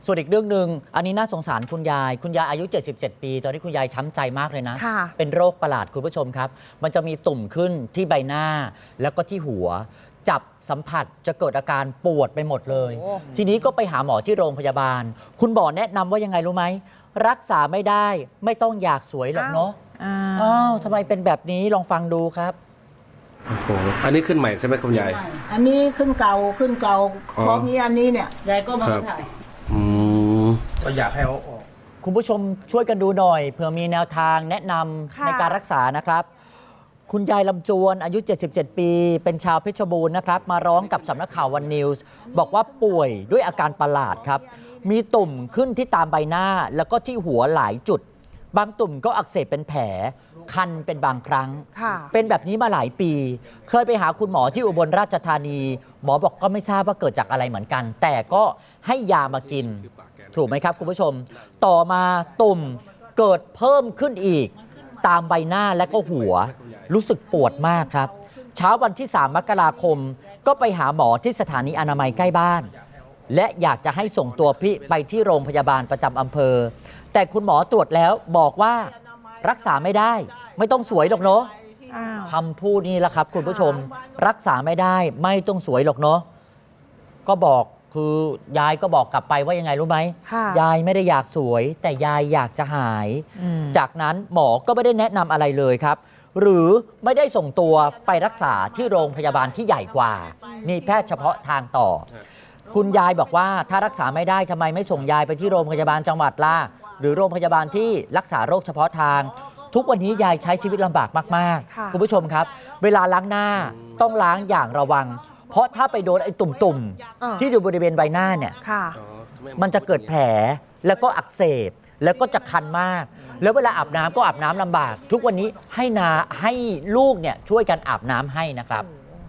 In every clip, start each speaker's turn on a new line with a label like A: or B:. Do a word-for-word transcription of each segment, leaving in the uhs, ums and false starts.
A: ส่วนอีกเรื่องหนึ่งอันนี้น่าสงสารคุณยายคุณยายอายุเจ็ดสิบเจ็ดปีตอนนี้คุณยายช้ำใจมากเลยนะเป็นโรคประหลาดคุณผู้ชมครับมันจะมีตุ่มขึ้นที่ใบหน้าแล้วก็ที่หัวจับสัมผัสจะเกิดอาการปวดไปหมดเลยทีนี้ก็ไปหาหมอที่โรงพยาบาลคุณหมอแนะนำว่ายังไงรู้ไหมรักษาไม่ได้ไม่ต้องอยากสวยหรอกเนาะอ้าวทำไมเป็นแบบนี้ลองฟังดูครับ
B: โอ้โหอันนี้ขึ้นใหม่ใช่ไหมคุณยาย
C: อันนี้ขึ้นเก่าขึ้นเก่าพร้อมนี้อันนี้เนี่ย
A: ยายก็มาถ่าย
B: อืม
D: ก็อยากให้เขาออก
A: คุณผู้ชมช่วยกันดูหน่อยเผื่อมีแนวทางแนะนำในการรักษานะครับคุณยายลำจวนอายุเจ็ดสิบเจ็ดปีเป็นชาวเพชรบูรณ์นะครับมาร้องกับสำนักข่าววันนิวส์บอกว่าป่วยด้วยอาการประหลาดครับมีตุ่มขึ้นที่ตามใบหน้าแล้วก็ที่หัวหลายจุดบางตุ่มก็อักเสบเป็นแผลคันเป็นบางครั้งเป็นแบบนี้มาหลายปีเคยไปหาคุณหมอที่อุบลราชธานีหมอบอกก็ไม่ทราบว่าเกิดจากอะไรเหมือนกันแต่ก็ให้ยามากินถูกไหมครับคุณผู้ชมต่อมาตุ่มเกิดเพิ่มขึ้นอีกตามใบหน้าและก็หัวรู้สึกปวดมากครับเช้าวันที่สามมกราคมก็ไปหาหมอที่สถานีอนามัยใกล้บ้านและอยากจะให้ส่งตัวพี่ไปที่โรงพยาบาลประจำอำเภอแต่คุณหมอตรวจแล้วบอกว่ารักษาไม่ได้ไม่ต้องสวยหรอกเนาะคำพูดนี้แหละครับคุณผู้ชมรักษาไม่ได้ไม่ต้องสวยหรอกเนาะก็บอกคือยายก็บอกกลับไปว่ายังไงรู้ไหมยายไม่ได้อยากสวยแต่ยายอยากจะหายจากนั้นหมอก็ไม่ได้แนะนำอะไรเลยครับหรือไม่ได้ส่งตัวไปรักษาที่โรงพยาบาลที่ใหญ่กว่ามีแพทย์เฉพาะทางต่อคุณยายบอกว่าถ้ารักษาไม่ได้ทำไมไม่ส่งยายไปที่โรงพยาบาลจังหวัดล่ะหรือโรงพยาบาลที่รักษาโรคเฉพาะทางทุกวันนี้ยายใช้ชีวิตลำบากมากๆคุณผู้ชมครับเวลาล้างหน้าต้องล้างอย่างระวังเพราะถ้าไปโดนไอ้ตุ่มๆที่อยู่บริเวณใบหน้าเนี่ยมันจะเกิดแผลแล้วก็อักเสบแล้วก็จะคันมากแล้วเวลาอาบน้ำก็อาบน้ำลำบากทุกวันนี้ให้นาให้ลูกเนี่ยช่วยกันอาบน้ำให้นะครับ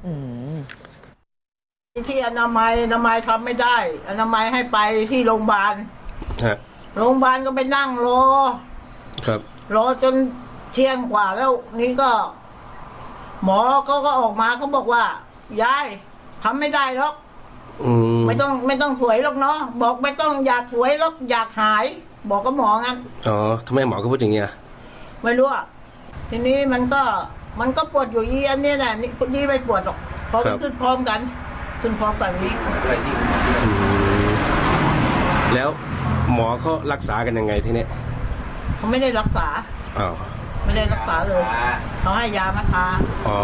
C: ที่อนามัยอนามัยทำไม่ได้อนามัยให้ไปที่โรงพยาบาลโรงพยาบาลก็ไปนั่งรอ
B: ครับ
C: รอจนเที่ยงกว่าแล้วนี่ก็หมอเขาก็ออกมาเขาบอกว่ายายทำไม่ได้หรอกไม่ต้องไม่ต้องสวยหรอกเนาะบอกไม่ต้องอยากสวยหรอกอยากหายบอกกับหมองั้น
B: อ๋อทำไมหมอก็พูดอย่างเงี้ย
C: ไม่รู้อ่ะทีนี้มันก็มันก็ปวดอยู่อีอันนี้แหละนี่นี่ไม่ปวดหรอกเพราะมันขึ้นพร้อมกันขึ้นพร้อมกันนี้
B: แล้วหมอเขารักษากันยังไงทีนี้
C: เขาไม่ได้รักษา
B: อ้าว
C: ไม่ได้รักษาเลยเขาให้ยามาทา
B: อ๋อ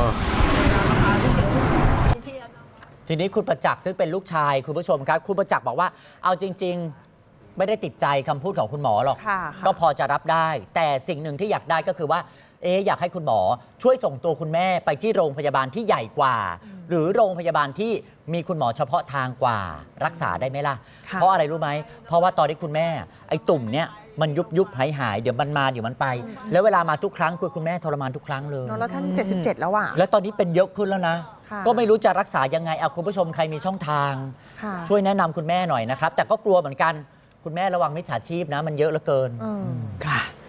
A: ทีนี้คุณประจักษ์ซึ่งเป็นลูกชายคุณผู้ชมครับคุณประจักษ์บอกว่าเอาจริงๆไม่ได้ติดใจคำพูดของคุณหมอหรอกก็พอจะรับได้แต่สิ่งหนึ่งที่อยากได้ก็คือว่าเอ๊ะอยากให้คุณหมอช่วยส่งตัวคุณแม่ไปที่โรงพยาบาลที่ใหญ่กว่าหรือโรงพยาบาลที่มีคุณหมอเฉพาะทางกว่ารักษาได้ไหมล่ะเพราะอะไรรู้ไหมเพราะว่าตอนที่คุณแม่ไอ้ตุ่มเนี่ยมันยุบยุบหายหายเดี๋ยวมันมาเดี๋ยวมันไปแล้วเวลามาทุกครั้งคือคุณแม่ทรมานทุกครั้งเลย
E: แล้วท่านเจ็ดสิบเจ็ดแล้วอ่ะ
A: แล้วตอนนี้เป็นเยอะขึ้นแล้วนะก็ไม่รู้จะรักษายังไงเอาคุณผู้ชมใครมีช่องทางช่วยแนะนำคุณแม่หน่อยนะครับแต่ก็กลัวเหมือนกันคุณแม่ระวังมิจฉาชีพนะมันเยอะเหลือเกิน
E: ค่ะ